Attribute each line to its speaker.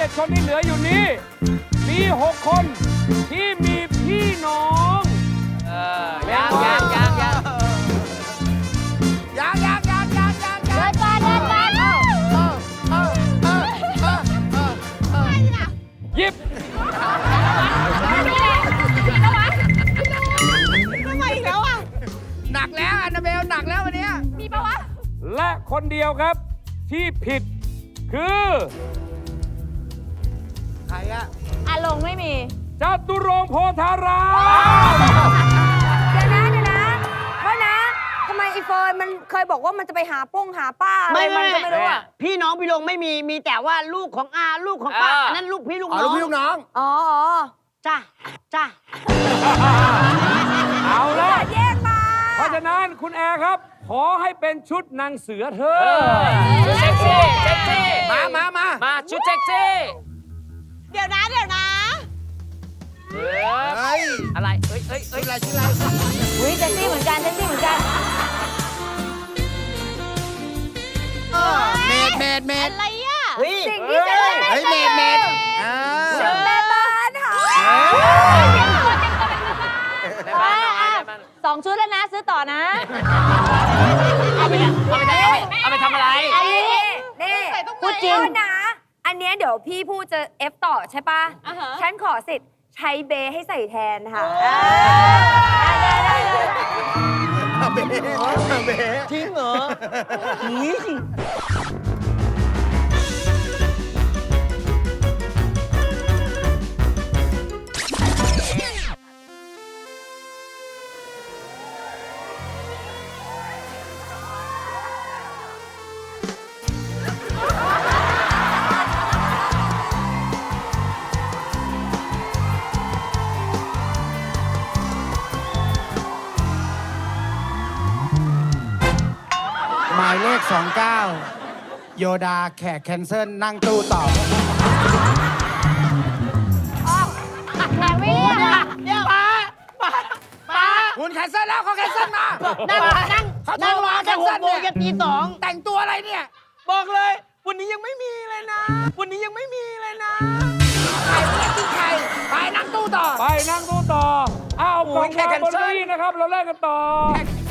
Speaker 1: 7 คนที่เหลืออยู่นี้ มี 6 คนที่มีพี่น้อง
Speaker 2: ยัง
Speaker 3: เดินก่อนเดินก่อน
Speaker 1: หยิบ
Speaker 3: ทำไมอีกแล้วอ่ะ
Speaker 2: หนักแล้วอันนาเบลหนักแล้ววันนี้
Speaker 3: มีปะวะ
Speaker 1: และคนเดียวครับที่ผิดคือ
Speaker 2: ใครอะ
Speaker 3: อารมณ์ไม่มี
Speaker 1: จตุรงค์โพธาราม
Speaker 4: เดี๋ยวนะเพราะนะทำไมไอ้เฟิร์นมันเคยบอกว่ามันจะไปหาป้าอะไรมันก็ไม่รู้อ่ะ
Speaker 5: พี่น้องพี่ลงไม่มีแต่ว่าลูกของอาลูกของป้าอันนั้นลูกพี่ลูก
Speaker 2: อ๋อ
Speaker 5: น้
Speaker 2: ลู
Speaker 5: อก ง
Speaker 2: พี่ลูกน้อง
Speaker 4: อ๋อ
Speaker 5: จ้าจ้า
Speaker 1: เอาละ
Speaker 4: แยกมา
Speaker 1: เพราะฉะนั้นคุณแอร์ครับ ขอให้เป็นชุดนางเสือเธอ
Speaker 6: เซ็กซี่เซ็กซี่
Speaker 2: มา
Speaker 6: ชุดเซ็กซี่
Speaker 3: เดี๋ยวนะ
Speaker 2: เฮ้ย
Speaker 6: อะไรเอ้ย
Speaker 2: ชื่ออะไรชื่ออะไร
Speaker 4: อุ้ยเซ็กซี่เหมือนกัน
Speaker 2: เมด
Speaker 3: อะไรอ่ะ
Speaker 5: เฮ้ย
Speaker 4: สิ่งที่จะได้
Speaker 2: เฮ้ยเมด
Speaker 4: ชุดแม่บ้านค่ะ
Speaker 6: ในบ้านน้อยในบ้าน
Speaker 3: 2 ชุดแล้วนะ ซื้อต่อนะ
Speaker 6: เอาไปทำอะไร
Speaker 4: อันนี้นี่
Speaker 3: ใส่ตรงไหน
Speaker 4: พูดจริงนะ อันเนี้ยเดี๋ยวพี่พูดจะเอฟต่อใช่ปะ
Speaker 3: อ่าฮะ
Speaker 4: ฉันขอสิทธิ์ใช้เบให้ใส่แทนค่ะ ได้
Speaker 2: เบ
Speaker 5: จริงเหรอนี่สิ
Speaker 7: หมายเลข 29 โยดาแขกแคนเซิลนั่งตู้ต่อ
Speaker 3: แหมวิ่งอ่ะ
Speaker 2: คุณแคนเซิลแล้วเขาแคนเซิลมา
Speaker 5: นั่ง
Speaker 2: เขาโทร
Speaker 5: นั่ง
Speaker 2: มา
Speaker 5: มาแต่6 โมงยันตี 2
Speaker 2: แต่งตัวอะไรเนี่ย
Speaker 5: บอกเลย วันนี้ยังไม่มีเลยนะ วันนี้ยังไม่มีเลยนะ
Speaker 2: ใครไม่ได้กินใครไปนั่งตู้ต่อ
Speaker 1: ไปนั่งตู้ต่อเอากล่อง
Speaker 6: แค่
Speaker 1: วาง
Speaker 6: กัน
Speaker 1: บน
Speaker 6: เซิ
Speaker 1: เก้า
Speaker 6: ล
Speaker 1: อี้นะครับ เราเล่นกันต่อ